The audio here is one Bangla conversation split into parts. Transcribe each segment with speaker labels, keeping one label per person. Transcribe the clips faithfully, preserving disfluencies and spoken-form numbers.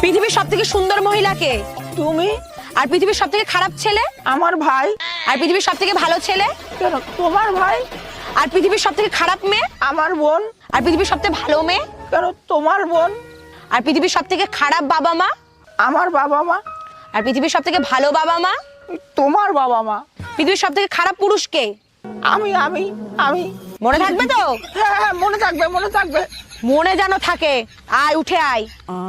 Speaker 1: পৃথিবীর সবথেকে সুন্দর মহিলা কে?
Speaker 2: তুমি।
Speaker 1: আর পৃথিবীর সবথেকে খারাপ ছেলে?
Speaker 2: আমার ভাই।
Speaker 1: আর পৃথিবীর সবথেকে ভালো ছেলে?
Speaker 2: কেন? তোমার ভাই।
Speaker 1: আর পৃথিবীর সবথেকে খারাপ মেয়ে?
Speaker 2: আমার বোন।
Speaker 1: আর পৃথিবীর সবথেকে ভালো মেয়ে?
Speaker 2: কেন? তোমার বোন।
Speaker 1: আর পৃথিবীর সবথেকে খারাপ বাবা মা?
Speaker 2: আমার বাবা মা।
Speaker 1: আর পৃথিবীর সবথেকে ভালো বাবা মা?
Speaker 2: তোমার বাবা মা।
Speaker 1: পৃথিবীর সবথেকে খারাপ পুরুষ কে?
Speaker 2: আমি আমি আমি
Speaker 1: মনে থাকবে তো?
Speaker 2: হ্যাঁ হ্যাঁ মনে থাকবে মনে থাকবে।
Speaker 1: মনে যেন থাকে। আয় উঠে আয়।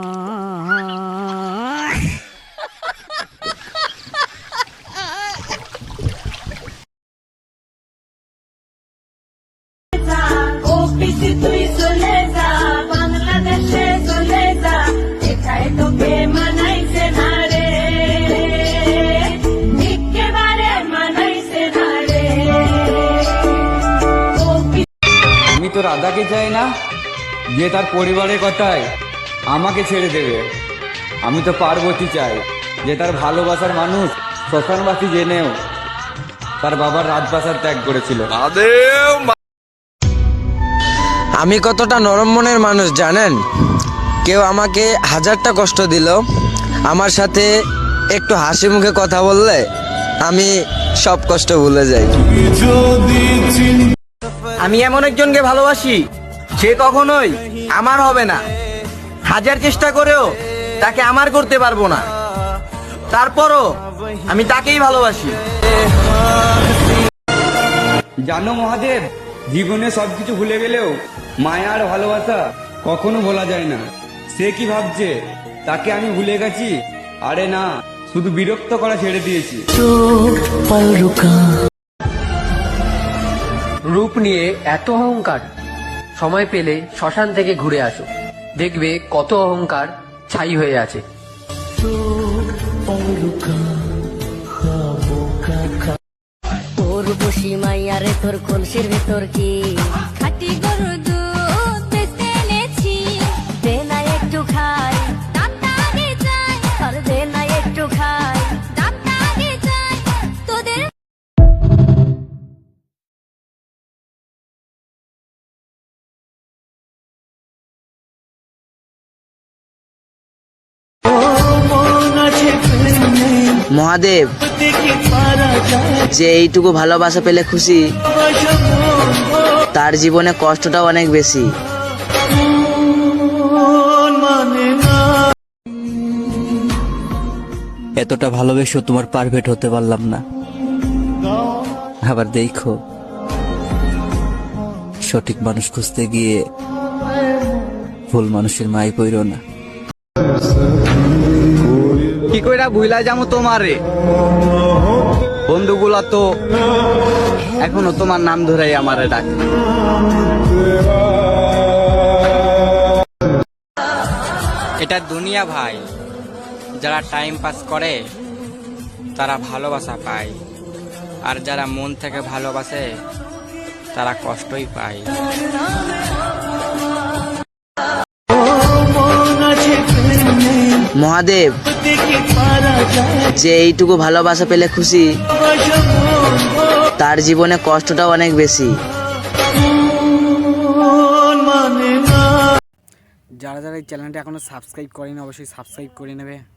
Speaker 3: তুই চলে যা বাংলাদেশে চলে যা এটাই তোকে মানাইছে না রে একেবারে মানাইছে না রে।
Speaker 4: আমি তো রাধাকে চাই না যে তার পরিবারের কথায় আমাকে ছেড়ে দেবে। আমি তো পার্বতী চাই যে তার ভালোবাসার মানুষ শ্মশানবাসী জেনেও তার বাবার রাজপ্রাসাদ ত্যাগ করেছিল।
Speaker 5: আমি কতটা নরম মনের মানুষ জানেন? কেউ আমাকে হাজারটা কষ্ট দিল, আমার সাথে একটু হাসি মুখে কথা বললে আমি সব কষ্ট ভুলে যাই।
Speaker 6: আমি এমন একজনকে ভালোবাসি সে কখনোই আমার হবে না, হাজার চেষ্টা করেও তাকে আমার করতে পারবো না, তারপরও আমি তাকেই ভালোবাসি।
Speaker 4: জানো মহাদেব, জীবনে সবকিছু ভুলে গেলেও মায়া আর ভালোবাসা কখনো ভোলা যায় না। সে কি ভাবছে তাকে আমি ভুলে গেছি? আরে না, শুধু বিরক্ত করা ছেড়ে দিয়েছি।
Speaker 7: রূপ নিয়ে এত অহংকার, সময় পেলে শ্মশান থেকে ঘুরে আসো, দেখবে কত অহংকার ছাই হয়ে আছে।
Speaker 8: তোর বসি মাইয়ারে তোর কলসির ভেতর কি খাটি গরুর দুধ বেচতে এনেছি, দে না একটু খাই দামটা আগে যায়, আর দে না একটু খাই দামটা আগে যায় তোদের।
Speaker 5: মহাদেব, যে এইটুকু ভালোবাসা পেলে খুশি তার জীবনে কষ্টটাও অনেক বেশি।
Speaker 9: এতটা ভালোবেসেও তোমার পারফেক্ট হতে পারলাম না। আবার দেখো, সঠিক মানুষ খুঁজতে গিয়ে ভুল মানুষের মাই পইরো না।
Speaker 6: কি কইরা ভুলা যামু তোমারে? বন্ধুগুলা তো এখনো তোমার নাম ধরেই আমারে ডাকে।
Speaker 10: এটা দুনিয়া ভাই, যারা টাইম পাস করে তারা ভালোবাসা পায়, আর যারা মন থেকে ভালোবাসে তারা কষ্টই পায়।
Speaker 5: মহাদেব, যে এইটুকু ভালোবাসা পেলে খুশি তার জীবনে কষ্টটাও অনেক বেশি।
Speaker 6: যারা যারা এই চ্যানেলটা এখনো সাবস্ক্রাইব করেনি অবশ্যই সাবস্ক্রাইব করে নেবে।